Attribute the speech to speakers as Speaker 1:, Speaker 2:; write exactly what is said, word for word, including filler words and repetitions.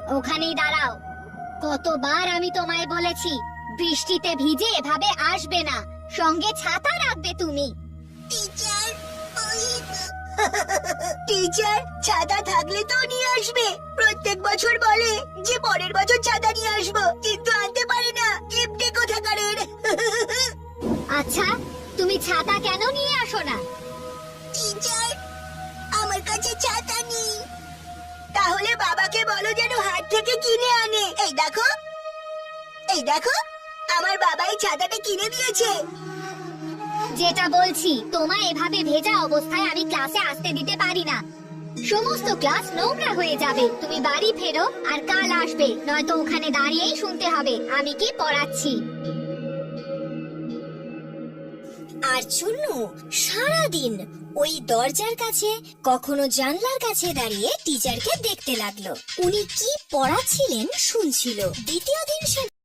Speaker 1: ওখানেই দাঁড়াও। কতবার আমি তোমায় বলেছি বৃষ্টিতে ভিজে এভাবে আসবে না, সঙ্গে ছাতা রাখবে তুমি।
Speaker 2: টিচার, টিচার ছাতা থাকলে তো নিয়ে আসবে। প্রত্যেক বছর বলে যে পরের বছর ছাতা নিয়ে আসবো, কিন্তু আনতে পারে না। কিপটে কোথাকারের।
Speaker 1: আচ্ছা, তুমি ছাতা কেন নিয়ে আসো না?
Speaker 2: টিচার, আমার কাছে ছাতা নেই। তাহলে বাবাকে বলো যেন হাট থেকে কিনে আনে। এই দেখো, এই দেখো, আমার বাবা এই ছাতাটা কিনে দিয়েছে।
Speaker 1: যেটা বলছি, তোমায় এভাবে ভেজা অবস্থায় আমি ক্লাসে আসতে দিতে পারি না। সমস্ত ক্লাস নোংরা হয়ে যাবে। তুমি বাড়ি ফেরো আর কাল আসবে, নয়তো ওখানে দাঁড়িয়েই শুনতে হবে আমি কি পড়াচ্ছি।
Speaker 2: আর চুন্নু সারাদিন ওই দরজার কাছে, কখনো জানলার কাছে দাঁড়িয়ে টিচারকে দেখতে লাগলো। উনি কি পড়াচ্ছিলেন শুনছিল। দ্বিতীয় দিন সে